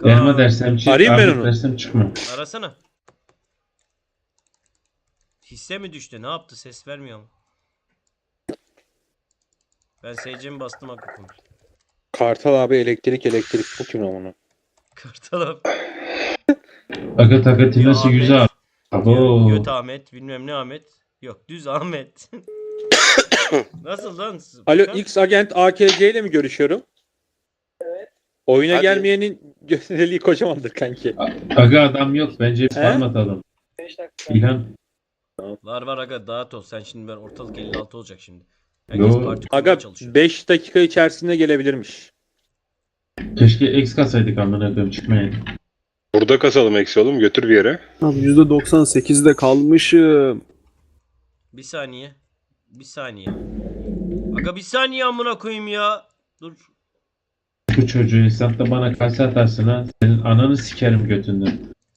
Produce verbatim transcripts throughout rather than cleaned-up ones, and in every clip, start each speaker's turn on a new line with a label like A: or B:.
A: Elma dersem çık,
B: Arayayım ben
A: armut
B: onu.
A: dersem çıkma.
C: Arasana. Hisse mi düştü? Ne yaptı? Ses vermiyor mu? Ben S C'mi bastım akıtım.
B: Kartal abi elektrik elektrik bu kim onu?
C: Kartal abi.
A: Aga takatinası
C: Ahmet.
A: yüz abi. Abo.
C: Göt Ahmet. Bilmem ne Ahmet. Yok düz Ahmet. Nasıl lan?
B: Alo
C: Furkan?
B: X agent A K C ile mi görüşüyorum? Evet. Oyuna
D: Hadi.
B: gelmeyenin gösteriliği kocamandır kanki.
A: Aga adam yok. Bence bir
B: He?
A: farm atalım. İlhan.
C: Var var aga dağıt ol. Sen şimdi ben ortalık elli altı olacak şimdi. Herkes
A: Yo.
C: parti kurmaya
B: Aga
C: çalışıyor.
B: beş dakika içerisinde gelebilirmiş.
A: Keşke X kasaydık amına koyayım çıkmayın.
E: Burada kasalım eksi oğlum götür bir yere.
F: Abi yüzde doksan sekizde kalmışım.
C: Bir saniye. Bir saniye. Aga bir saniye amına koyayım ya. Dur.
A: Bu çocuğu hesapta bana kase atarsın ha. Senin ananı sikerim götünden.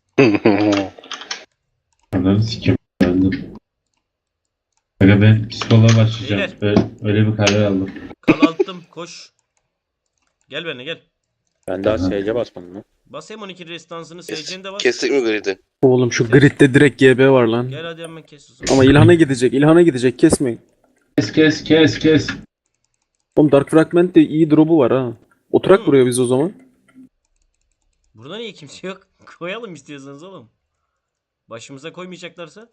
A: Ananı sikerim. Öldüm. Aga ben psikoloğa başlayacağım. Öyle, öyle bir karar aldım.
C: Kalalttım koş. Gel benimle gel.
B: Ben daha
A: Aha.
B: S C basmadım lan.
C: Bas M on iki restansını
D: Kes-
C: seyircinde bas.
D: Kestik mi gridi?
F: Oğlum şu gridde direkt G B var lan.
C: Gel hadi hemen kes. o zaman.
F: Ama İlhan'a gidecek. İlhan'a gidecek. Kesmeyin.
A: Kes kes kes kes.
F: Oğlum Dark Fragment de iyi drop'u var ha. Oturak
C: Hı.
F: buraya biz o zaman.
C: Burada niye kimse yok? Koyalım istiyorsanız oğlum. Başımıza koymayacaklarsa.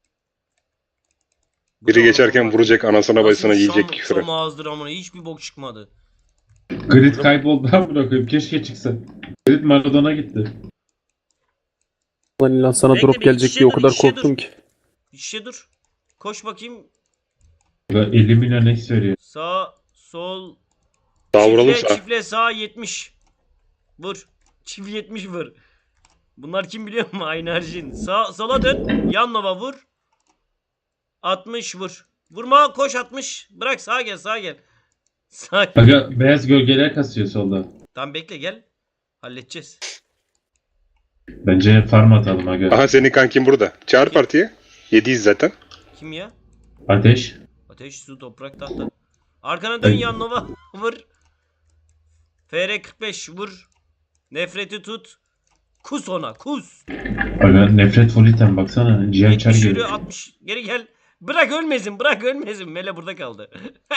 C: Bu
E: Biri
C: da
E: geçerken
C: oğlum,
E: vuracak anasına
C: nasıl
E: bacısına
C: bir
E: yiyecek
C: şam-
E: küfürü.
C: şam ağızdır amına hiçbir bok çıkmadı.
A: Grid kayboldu amına koyayım. Keşke çıksa. Grid Maradona gitti.
F: Lan İlhan sana
C: Bekle,
F: drop
C: bir
F: gelecek
C: şişe
F: diye o
C: dur,
F: kadar
C: şişe
F: korktum
C: dur.
F: ki.
C: Bir şey dur. Koş bakayım.
A: Aga elli milyon X veriyor.
C: Sağ, sol.
E: Daha vuralım
C: Çifle,
E: sana.
C: çifle sağ yetmiş. Vur. Çift yetmiş vur. Bunlar kim biliyor mu? Aynı harcın. Sağ, sola dön. Yan nova vur. altmış vur. Vurma koş altmış. Bırak sağa gel sağa gel. Sağa gel.
A: Aga beyaz gölgeler kasıyor solda.
C: Tamam bekle gel. Halledeceğiz.
A: Bence farm atalım aga.
E: Aha senin kankin burada. Çağır partiye. Yediyiz zaten.
C: Kim ya?
A: Ateş.
C: Ateş, su, toprak, tahta. Arkana dön
A: Ay.
C: yan nova. Vur. F R kırk beş vur. Nefreti tut. Kus ona kus.
A: Aga nefret full item baksana. Ciğer çar
C: yetmiş yürü
A: geliyor.
C: altmış. Geri gel. Bırak ölmesin bırak ölmesin. Mele burada kaldı.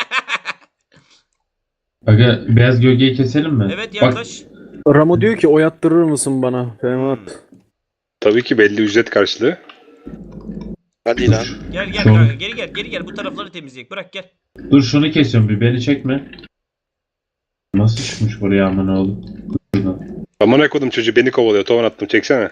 A: Aga beyaz gölgeyi keselim mi?
C: Evet
A: Bak,
C: yaklaş.
F: Ramo diyor ki oy attırır mısın bana? Ferhat.
C: Hmm.
E: Tabii ki belli ücret karşılığı.
D: Hadi lan.
C: Gel gel
A: Şu-
C: kanka geri gel geri gel bu tarafları temizleyek bırak gel.
A: dur şunu kesiyorum bir beni çekme. Nasıl çıkmış buraya aman oğlum? Şuradan.
E: Amına kodum çocuğu beni kovalıyor. Tovan attım çeksene.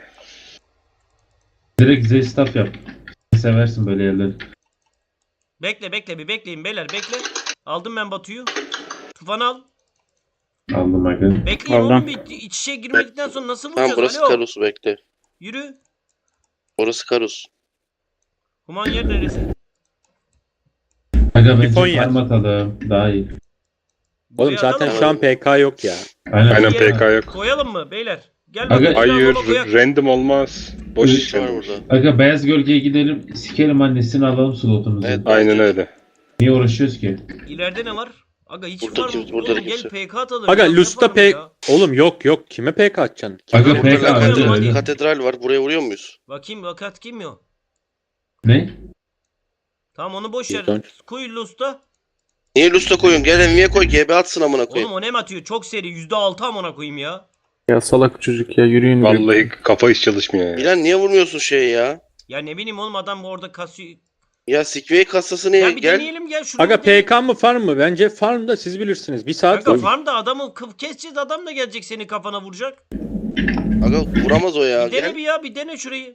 A: Direkt Z staff yap. Seversin böyle yerleri.
C: Bekle bekle bir bekleyin beyler bekle. Aldım ben Batu'yu. Tufan al.
A: Aldım aga.
C: Bekleyin
B: Aldım.
C: oğlum bir iç içe girmedikten sonra nasıl
D: Tamam
C: vuracağız?
D: burası
C: Alo.
D: Karus bekle.
C: Yürü.
D: Orası Karus.
C: Human yer neresi?
A: Aga bence
B: Japonya.
A: farm atalım. Daha iyi.
B: Oğlum
C: Buraya
B: zaten
C: atalım
B: şu
C: mı?
B: an P K yok ya.
A: Aynen.
E: Aynen
C: Buraya
E: P K yok.
C: Koyalım mı beyler? Gel
A: Aga-
C: bakalım.
E: Hayır
C: Baba koyak.
E: random olmaz. Boş
A: Üç
E: iş
D: Var
E: random.
D: burada.
A: Aga beyaz gölgeye gidelim. Sikerim annesini alalım slotumuzu.
D: Evet.
E: Aynen öyle.
A: Niye uğraşıyoruz ki?
C: İleride ne var? Aga hiç
D: Burada
C: var mı?
D: kimse- burada
C: Oğlum
D: da
C: gel
D: kimse.
C: P K atalım.
B: Aga
C: ya, ne
B: Lust'a
C: yapalım
B: P...
C: ya?
B: Oğlum yok yok kime P K atacaksın?
A: Aga
C: Burada
A: P K
C: koyalım,
A: öyle
C: hadi.
A: öyle.
D: Katedral var. Buraya vuruyor muyuz?
C: Bakayım vakat kim ya?
A: Ne?
C: Tamam onu boş ver.
B: Dön.
C: Koy Lust'a.
D: Niye Lust'a koyuyorsun? Gel Envy'ye koy. G B atsın amına
C: Oğlum
D: koyayım.
C: o ne mi atıyor? Çok seri. yüzde altı amına koyayım ya.
F: Ya salak çocuk ya yürüyün.
E: Vallahi kafa hiç çalışmıyor ya.
D: Milan niye vurmuyorsun şeye ya?
C: Ya ne bileyim oğlum adam orada kasıyor.
D: Ya Sikvey kasası niye?
C: Ya bir
D: Gel.
C: deneyelim gel şunu.
B: Aga
C: bir deneyelim.
B: P K mı farm mı? Bence farm da siz bilirsiniz. Bir saat
C: Kanka
B: var.
C: farmda adamı kıf- keseceğiz adam da gelecek seni kafana vuracak.
D: Aga vuramaz o ya.
C: Bir dene
D: Gel.
C: bir ya bir dene şurayı.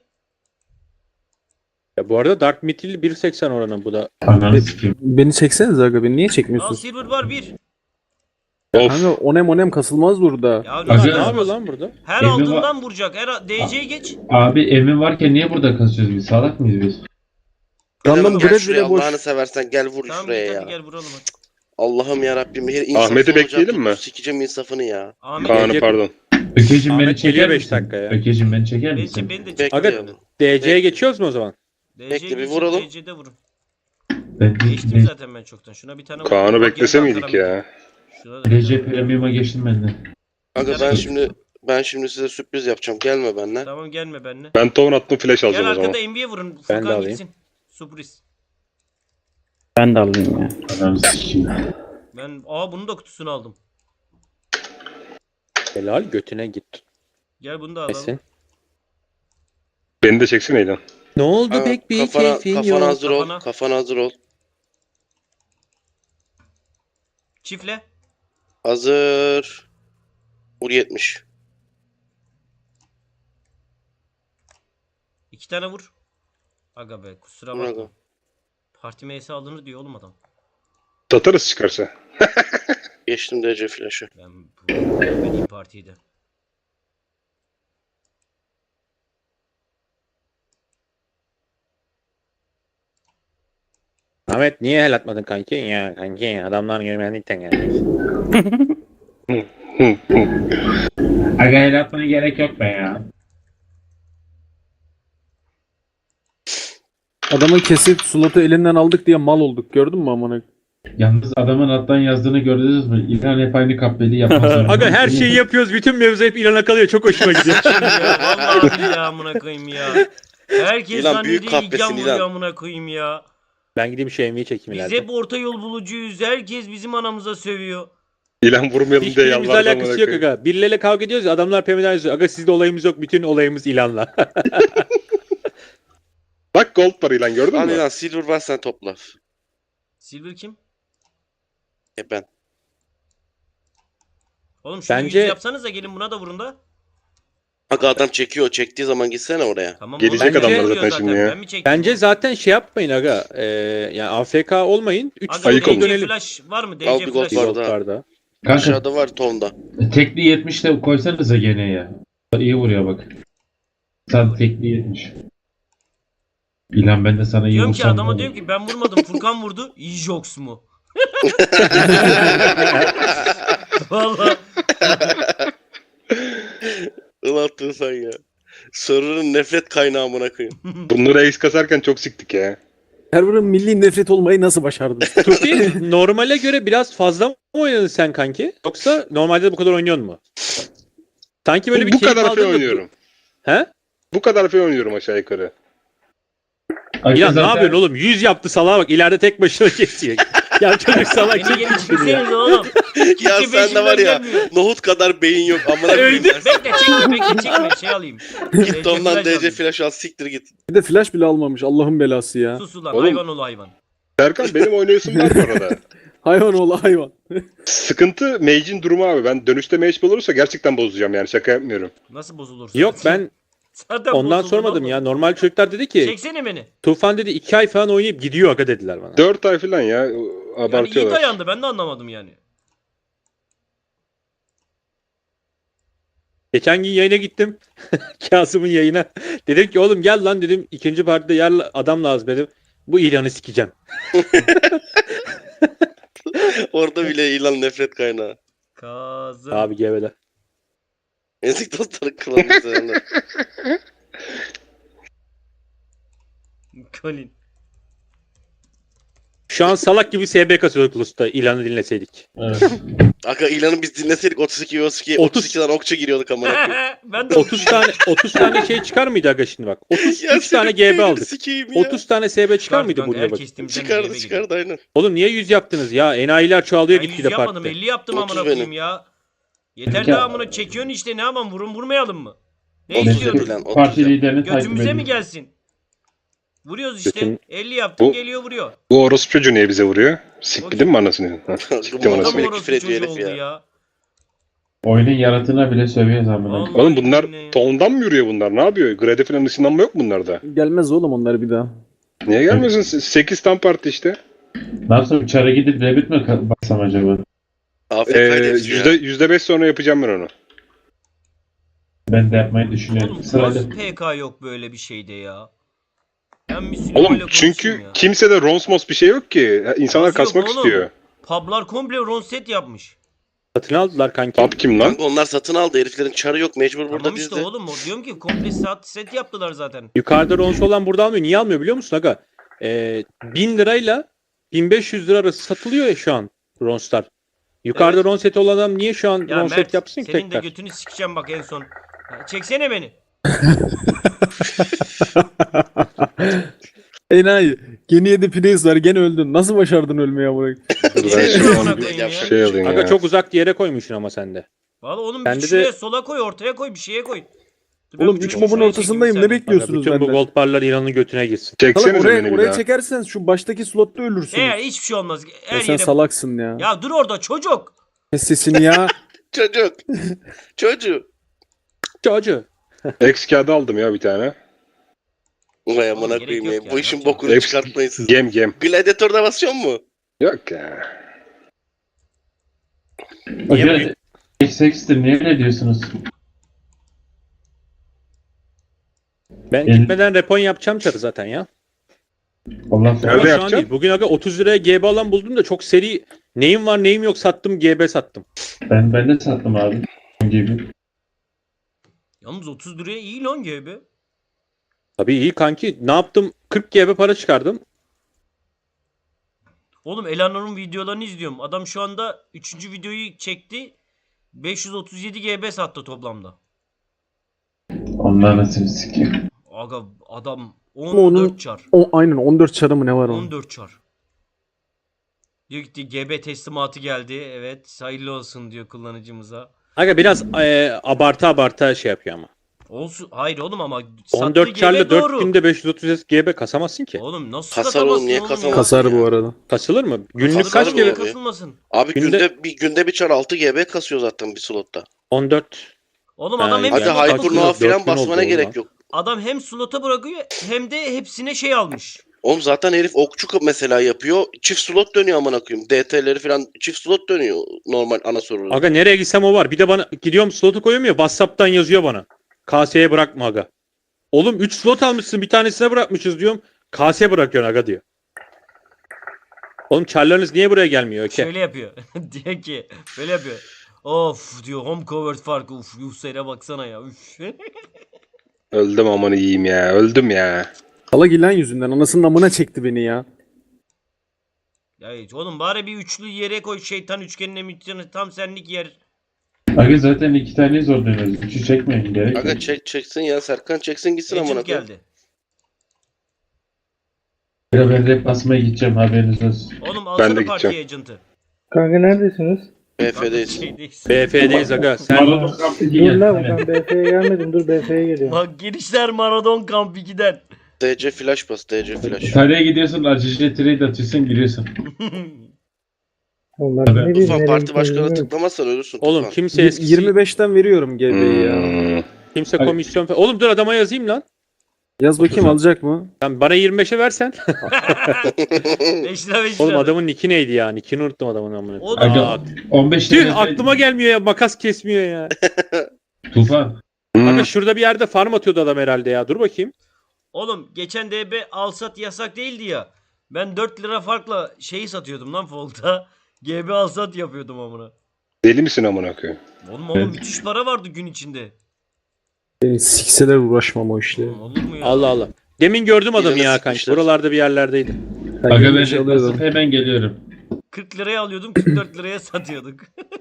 B: Ya bu arada Dark Mythil bir seksen oranı bu da.
A: Ananı sikeyim.
F: Beni çekseniz aga beni niye
C: Al
F: çekmiyorsun?
C: silver var bir.
E: Of.
F: Kanka onem onem kasılmaz burada.
C: Ya
A: Aga-
B: Ne
C: ne
B: yapıyor lan burada?
C: Her
A: Evde
C: aldığından vuracak. Her D C'ye geç.
A: Abi emin varken niye burada kasıyoruz biz? Salak mıyız biz?
F: Random
D: Gel
F: grid
D: şuraya
F: bile boş.
D: Allah'ını seversen gel vur
C: Tamam
D: şuraya
C: git
D: ya.
C: hadi gel vuralım hadi.
D: Allah'ım yarabbim her insaf
E: Ahmet'i
D: olacak,
E: bekleyelim mi?
D: Sikeceğim insafını ya.
C: Ahmet
E: Kaan'ı
B: Gece-
E: pardon.
A: Ökeciğim beni
B: Ahmet
A: çeker
B: geliyor beş
A: misin?
B: dakika ya.
A: Ökeciğim beni çeker
C: beni,
A: misin?
C: beni de çek.
D: Bekle.
B: Aga
D: yani.
B: D C'ye
D: Bekle.
B: geçiyoruz mu o zaman?
C: D C'ye
D: bekle, bir
C: geçin,
D: vuralım.
C: D C'de vurun.
A: Ben
C: Geçtim
A: D-
C: zaten ben çoktan. Şuna bir tane vur.
E: Kaan'ı
C: Bak,
E: beklese
C: geri
E: miydik
C: Ankara
E: ya?
C: Şuna da bir
A: D C
C: tane vur.
A: Premium'a geçtim ben de.
D: Aga ben şimdi Ben şimdi size sürpriz yapacağım. Gelme benimle.
C: Tamam gelme benimle.
E: Ben tohum attım flash
C: Gel
E: alacağım o zaman.
C: arkada N B A vurun.
F: Ben de
C: Furkan
F: alayım.
C: gitsin. Sürpriz.
F: Ben de alayım ya.
A: Adam sikeyim.
C: Ben aa bunun da kutusunu aldım.
F: Helal götüne git.
C: Gel bunu da alalım.
F: Esin.
E: Beni de çeksene İlhan.
F: Ne oldu
D: Ha,
F: pek bir
D: kafana,
F: keyfin
D: kafana
F: yok.
D: hazır ol.
C: Kafana.
D: Kafana hazır ol.
C: Çifle.
D: Hazır. Vur yetmiş.
C: İki tane vur. Aga be kusura
D: Vur
C: bakma.
D: aga.
C: Parti meyesi alınır diyor oğlum adam.
E: Satarız çıkarsa.
D: Geçtim D C flash'ı.
C: Ben bu ben iyi partiydi.
F: Ahmet niye el atmadın kanki? Ya kanki adamlar görmedikten geldi.
A: Aga el atmana gerek yok be ya.
F: Adamı kesip slotu elinden aldık diye mal olduk gördün mü amına?
A: Yalnız adamın alttan yazdığını gördünüz mü? İlhan hep aynı kahveli yapmaz.
F: Aga her şeyi yapıyoruz bütün mevzu hep ilana kalıyor çok hoşuma gidiyor.
C: ya vallahi billahi amına koyayım ya. Herkes
D: İlan büyük
C: zannediyor İlgan
D: kahpesin,
C: vuruyor
D: İlan.
C: amına koyayım ya.
F: Ben gideyim şu M V'yi çekeyim
C: Biz
F: ileride.
C: hep orta yol bulucuyuz. Herkes bizim anamıza sövüyor.
E: İlhan vurmayalım diye
F: Hiçbirimizle
E: yalvardı
F: alakası yok aga. Birileriyle kavga ediyoruz ya adamlar Pemiden yazıyor. Aga sizde olayımız yok bütün olayımız ilanla.
E: Bak gold var İlhan gördün
D: Al
E: mü?
D: lan silver var sen topla.
C: Silver kim?
D: E ben.
C: Oğlum şunu
F: Bence-
C: yüz yapsanız da gelin buna da vurun da.
D: Aga adam çekiyor. Çektiği zaman gitsene oraya.
C: Tamam,
E: Gelecek
C: oğlum,
F: adamlar
C: ben
E: zaten
C: vuruyor
E: şimdi ya.
C: Ben mi çektim?
F: Bence zaten şey yapmayın aga. Ee, yani A F K olmayın. üç
C: Aga
E: Ayık
C: D
E: olun.
C: C
F: dönelim.
C: flash var mı?
D: Al
C: D C
D: bir gold
C: flash.
D: var.
F: Yollarda.
A: Kanka
D: Aşağıda var tonda.
A: tekli yetmiş de koysanıza gene ya. İyi vuruyor bak. Sen tekli yetmiş. İlhan ben de sana iyi
C: Diyorum ki
A: vursam
C: adama
A: ne
C: diyorum
A: olur?
C: ki ben vurmadım Furkan vurdu. Jox mu? Vallahi
D: Ilattın sen ya. Server'ın nefret kaynağı amına koyayım.
E: Bunları ace kasarken çok siktik ya.
F: Server'ın milli nefret olmayı nasıl başardın? Tufi normale göre biraz fazla mı oynadın sen kanki? Yoksa normalde de bu kadar oynuyor mu? Sanki böyle bir
E: bu
F: keyif
E: kadar
F: aldın
E: fe
F: da-
E: oynuyorum.
F: He?
E: Bu kadar fe oynuyorum aşağı yukarı.
A: Aga
F: Ya ne
A: zaten-
F: yapıyorsun oğlum? yüz yaptı salağa bak. İleride tek başına kesiyor. ya çocuk salak
C: beni
F: çok
C: gelin
F: kötü ya.
C: çekseniz oğlum.
D: Ya
C: Kimse
D: sen de var ya.
C: peşimden gelmiyor.
D: Nohut kadar beyin yok. Amına koyayım.
C: Öldü. Bekle çekme bekle çekme şey alayım.
D: Git tondan
C: flash
D: D C
C: alayım.
D: flash al siktir git.
F: Bir de flash bile almamış. Allah'ın belası ya.
C: Sus ulan
E: Oğlum.
C: hayvan ol hayvan.
E: Serkan benim oynayışım var bu arada.
F: Hayvan oğlu hayvan.
E: Sıkıntı mage'in durumu abi. Ben dönüşte mage olursa gerçekten bozacağım yani şaka yapmıyorum.
C: Nasıl bozulursun?
F: Yok ben
C: Zaten
F: ondan
C: bozuldun
F: sormadım
C: oğlum.
F: ya. Normal çocuklar dedi ki
C: Çeksene beni.
F: Tufan dedi iki ay falan oynayıp gidiyor aga dediler bana.
E: dört ay falan ya
C: Yani iyi
E: abartıyorlar.
C: dayandı ben de anlamadım yani.
F: Geçen gün yayına gittim. Kasım'ın yayına. Dedim ki oğlum gel lan dedim. İkinci partide yer adam lazım dedim. Bu ilanı sikeceğim.
D: Orada bile ilan nefret kaynağı.
C: Kazım.
F: Abi gevele.
D: Ezik dostları kılamışlar.
C: Colin.
F: Şu an salak gibi S B kasıyorduk Lust'ta ilanı dinleseydik.
A: Evet.
D: Aga ilanı biz dinleseydik otuz iki otuz iki
F: otuz
D: otuz ikiden okçu giriyorduk amına koyayım.
C: ben de
F: otuz tane otuz tane şey çıkar mıydı aga şimdi bak. otuz
D: Ya
F: üç tane
D: senin
F: G B
D: beynini
F: aldık.
D: sikeyim ya.
F: otuz tane S B çıkar mıydı
C: Kanka,
F: buraya bak.
C: herkes timden
D: Çıkardı
C: G B
D: çıkardı aynen.
F: Oğlum niye yüz yaptınız ya? Enayiler çoğalıyor
C: Ben yüz
F: gitgide
C: yapmadım
F: partide.
C: elli yaptım
D: otuz
C: amına
D: benim.
C: koyayım ya. Yeter
A: Peki-
C: daha amına çekiyorsun işte ne yapalım vurun vurmayalım mı? Ne
D: otuz
C: istiyorsun?
D: lan, otuz
A: Parti
D: lan.
A: liderini takip
C: Götümüze mi
A: edin.
C: gelsin? Vuruyoruz işte.
F: Götüm-
C: elli yaptım
E: Bu-
C: geliyor vuruyor.
E: Bu orospu çocuğu niye bize vuruyor? Sikti mi anasını? Ha, Siktim
D: Bu adam
E: anasını.
C: Tam
D: orası
C: orası
D: küfür ediyor
C: çocuğu
D: herif
C: oldu
D: ya.
C: ya.
A: Oyunun yaratığına bile sövüyor zamana.
C: Vallahi
E: Oğlum bunlar
C: billahi ya.
E: tondan mı yürüyor bunlar? Ne yapıyor? Grade falan ışınlanma yok bunlarda.
F: Gelmez oğlum onlar bir daha.
E: Niye gelmiyorsun? sekiz tam parti işte.
A: Nasıl çara gidip debit mi ka- baksam acaba?
D: A F
E: Ee,
D: K'ydı hepsi
E: yüzde,
D: ya.
E: yüzde beş sonra yapacağım ben onu.
A: Ben de yapmayı düşünüyorum.
C: Oğlum
A: Sırayla.
C: nasıl P K yok böyle bir şeyde ya? Ben bir Süleyman'la
E: Oğlum
C: konuşayım
E: çünkü
C: ya.
E: kimsede Ronsmos bir şey yok ki. İnsanlar
C: Nasıl yok
E: kasmak
C: oğlum?
E: istiyor.
C: Publar komple ronset yapmış.
F: Satın aldılar kanki.
E: Pub kim lan?
D: Kanka onlar satın aldı heriflerin çarı yok mecbur burada
C: Tamam işte
D: bizde.
C: oğlum o diyorum ki komple saat set yaptılar zaten.
F: Yukarıda Ronsu olan burada almıyor. Niye almıyor biliyor musun aga? Ee, bin lirayla bin beş yüz lira arası satılıyor ya şu an Ronstar. Yukarıda
B: Evet.
F: ron seti olan adam niye şu an
C: Ya
F: ron set
C: Mert
F: yapsın ki
C: senin de
F: tekrar?
C: götünü sikeceğim bak en son. Ya, çeksene beni.
G: Enayi. Geniye de Plays var. Gene öldün. Nasıl başardın ölmeyi amına?
E: Dur
C: Niye
E: ben
C: şu
E: şey,
C: amına koyayım ya?
E: şey alayım
F: Aga
E: ya.
F: çok uzak bir yere koymuşsun ama sen de.
C: Valla oğlum
F: Bende
C: bir şuraya
F: de-
C: sola koy, ortaya koy, bir şeye koy. Dur ben
G: Oğlum
C: bir
G: üç
C: şuraya
G: mobun
C: çekeyim
G: ortasındayım.
C: bir
G: Ne
C: saniye.
F: Aga
G: bekliyorsunuz
F: bütün bu
G: benden?
F: gold barlar İran'ın götüne gitsin.
G: Salak
E: Çeksenize
G: oraya,
E: beni bir
G: oraya
E: daha.
G: çekersen şu baştaki slotta ölürsünüz.
C: Eğer hiçbir şey olmaz. Her
G: Ya sen
C: yere...
G: salaksın ya.
C: Ya dur orada çocuk.
G: Kes sesini ya.
D: Çocuk. Çocuk.
F: Çocuğu.
E: X kağıdı aldım ya bir tane.
D: Vay amına
C: gerek
D: koyayım
C: yok
D: ya.
C: ya,
D: Bu işin
C: yapacak
D: bokunu
E: X
D: çıkartmayın siz.
E: gem gem.
D: Gladiator'da basıyor mu?
E: Yok ya.
A: Aga
F: Niye-
A: X X'tir niye ne diyorsunuz?
F: Ben
A: El-
F: gitmeden repon yapacağım çarı zaten ya.
A: Allah
F: Ama
E: Nerede
F: şu an
E: yapacaksın?
F: değil. Bugün aga otuz liraya G B alan buldum da çok seri neyim var neyim yok sattım G B sattım.
A: ben ben de sattım abi. Gibi.
C: Yalnız otuz liraya iyi lan gibi.
F: Tabii iyi kanki. Ne yaptım? kırk G B para çıkardım.
C: Oğlum Eleanor'un videolarını izliyorum. Adam şu anda üçüncü videoyu çekti. beş yüz otuz yedi G B sattı toplamda.
A: Onlar nasıl sikeyim.
C: Aga adam
G: Ama onun-
C: on dört çar.
G: O, aynen on dört çarı mı ne var onun?
C: on dört çar. Diyor ki G B teslimatı geldi. Evet hayırlı olsun diyor kullanıcımıza.
F: Aga biraz e, abartı abartı şey yapıyor ama.
C: Olsun. Hayır oğlum ama
F: on
C: sattığı
F: dört
C: G B
F: çarla
C: doğru.
F: dört günde beş yüz otuz yedi G B kasamazsın ki.
C: Oğlum nasıl
D: Kasar
C: kasamazsın
D: oğlum, niye
C: ya?
D: kasamazsın?
G: Kasar bu arada.
F: Kasılır mı? Günlük
C: Kasılır
F: kaç
C: oğlum,
F: G B?
C: niye
D: Gibi.
C: kasılmasın?
D: Abi
F: Günde-
D: günde, bir günde bir çar altı G B kasıyor zaten bir slotta.
F: on dört.
C: Oğlum
F: Ha,
C: adam hem
D: Hadi
F: Yani
C: slota
F: kaç
C: bırakıyor.
D: Hypernova
F: dört gün
D: falan
F: oldu
D: basmana
F: oğlum
D: gerek
F: lan.
D: yok.
C: Adam hem slota bırakıyor hem de hepsine şey almış.
D: Oğlum zaten herif okçu mesela yapıyor. Çift slot dönüyor amına koyayım. D T'leri falan çift slot dönüyor normal ana soru.
F: Aga nereye gitsem o var. Bir de bana gidiyorum slotu koyuyorum ya WhatsApp'tan yazıyor bana. K S'ye bırakma aga. Oğlum üç slot almışsın bir tanesine bırakmışız diyorum. K S'ye bırakıyorsun aga diyor. Oğlum çarlarınız niye buraya gelmiyor? Öke.
C: Şöyle yapıyor. Diyor ki böyle yapıyor. Of diyor home covered farkı. Uf Yusuf'e baksana ya. Üf.
E: Öldüm aman iyiyim ya. Öldüm ya.
G: Salak ilan yüzünden anasının amına çekti beni ya.
C: Ya hiç oğlum bari bir üçlü yere koy şeytan üçgenine mütçene tam senlik yer.
A: Aga zaten iki tane zor dönüyoruz. Üçü çekmeyin gerek
D: Aga
A: yok.
D: çek çeksin ya Serkan çeksin gitsin amına
C: Agent
D: koyayım.
C: geldi.
A: Ya ben rap basmaya gideceğim haberiniz olsun.
C: Oğlum
E: Ben
C: alsana
E: de
C: partiye
E: gideceğim.
C: agent'ı.
H: Kanka neredesiniz?
D: B F'deyiz.
C: Şeydeyiz.
F: B F'deyiz aga. Sen
A: Maradona kampı
H: Dur
A: gel.
H: lan ben B F'ye gelmedim. Dur B F'ye geliyorum.
C: Bak girişler Maradon Kamp ikiden.
D: D C flash bas D C flash.
A: İtalya'ya gidiyorsun, acıcı trade atıyorsun, giriyorsun.
H: Oğlum ben
A: Tabii.
H: ne bileyim
D: Tufan
H: nereye
D: parti
H: gittiğimi
D: başkanına
H: bilmiyorum.
D: tıklamazsan ölürsün
F: oğlum
D: Tufan.
F: kimse eskisi
G: yirmi beşten veriyorum G B'yi ya.
E: Hmm.
F: kimse
A: Hayır.
F: komisyon falan. Oğlum dur adama yazayım lan.
G: Yaz bakayım alacak mı?
F: Sen bana yirmi beşe versen.
C: beş lira beş lira.
F: Oğlum adamın nicki neydi ya? Nickini unuttum adamın amına.
C: O da-
F: Aa,
A: on beş
F: tüh
A: tane
F: aklıma gelmiyor ya. Makas kesmiyor ya.
A: Tufan.
E: Hmm.
F: Aga şurada bir yerde farm atıyordu adam herhalde ya. Dur bakayım.
C: Oğlum geçen D B alsat yasak değildi ya. Ben dört lira farkla şeyi satıyordum lan Folt'a. G B alsat yapıyordum amına.
E: Deli misin amına koyayım?
C: Oğlum oğlum
A: Evet.
C: müthiş para vardı gün içinde.
G: Beni sikseler uğraşmam o işle.
C: Oğlum olur mu ya?
F: Allah Allah. Demin gördüm adamı
D: Birine
F: ya kanka.
D: sıkmışlar.
F: Buralarda bir yerlerdeydi.
G: Ben
A: Aga
G: yirmi
A: ben
G: beş
A: rap
G: alıyordum.
A: basıp hemen geliyorum.
C: kırk liraya alıyordum kırk dört liraya satıyorduk.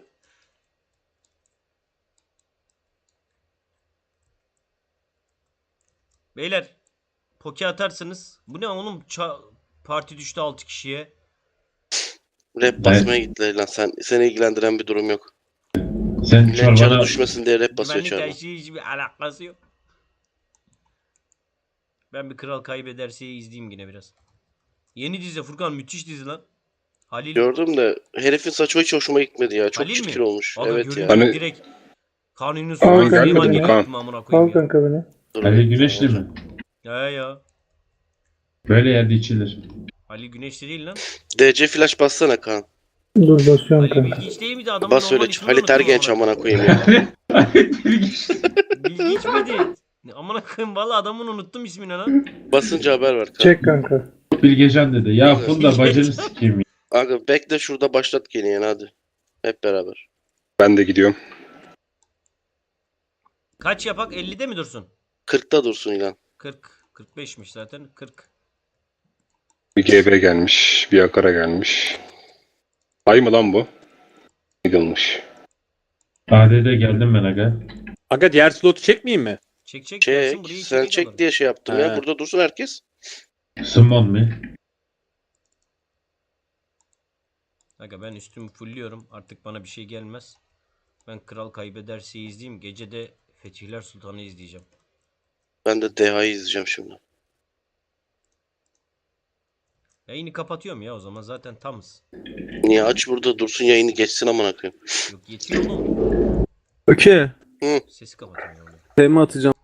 C: Beyler poke atarsınız. Bu ne oğlum? Ça- parti düştü altı kişiye.
D: Rap basmaya gittiler lan sen seni ilgilendiren bir durum yok.
A: Sen
D: Millet canı
A: çorbana
D: düşmesin diye rap basıyor
C: Güvenlik
D: çağırma.
C: her hiçbir alakası yok. Ben bir kral kaybederse izleyeyim yine biraz. Yeni dizi Furkan müthiş dizi lan. Halil.
D: Gördüm de herifin saçı hiç hoşuma gitmedi ya. Çok
C: Halil mi?
D: çirkin olmuş.
C: Aga
D: Evet
C: görünce
D: ya.
E: Hani-
C: direkt Kanuni
H: Aa,
C: Sultan
H: gelmedi
C: Süleyman
H: mi?
C: gibi
E: Kan.
C: gittim amına
H: Al
C: koyayım ya.
H: kanka beni.
D: Dur,
A: Ali
D: bakayım.
A: Güneşli mi?
C: Ya ya.
A: Böyle yerde içilir.
C: Halil Güneşli değil lan.
D: D C flash bassana Kaan.
H: Dur basıyorum
C: Halil
H: kanka.
C: Bilgiç değil miydi? Adamın
D: Bas
C: normal
D: öyle
C: ismini
D: Halit
C: unuttum
D: Ergenç
C: amına
D: amına koyayım ya.
C: Bilgiç miydi? Ne amına koyayım valla adamın unuttum ismini lan.
D: Basınca haber ver Kaan.
H: Çek kanka.
A: Bilgecan dedi. Ya Funda bacını sikeyim ya.
D: Aga bekle şurada başlat gene yani hadi. Hep beraber.
E: Ben de gidiyorum.
C: Kaç yapak? ellide mi dursun?
D: kırkta dursun ilan.
C: kırk. kırk beşmiş zaten. kırk.
E: Bir G B gelmiş. Bir Akara gelmiş. Ay mı lan bu? Yıkılmış.
A: A D D geldim ben aga.
F: Aga diğer slotu çekmeyeyim mi?
C: Çek çek. gelsin,
D: Çek.
C: burayı
D: Sen
C: çekik
D: çek
C: alırım.
D: diye şey yaptım ya.
F: He.
D: Burada dursun herkes.
A: Summon mi?
C: Aga ben üstümü fullliyorum. Artık bana bir şey gelmez. Ben Kral Kaybederse izleyeyim. Gece de Fetihler Sultan'ı izleyeceğim.
D: Ben de D H'yı izleyeceğim şimdi.
C: Yayını kapatıyorum ya o zaman. Zaten tamız.
D: Niye aç burada dursun yayını geçsin amına koyayım.
C: Yok yetiyor oğlum.
G: Okey.
C: Sesi kapatıyorum.
G: Tema atacağım.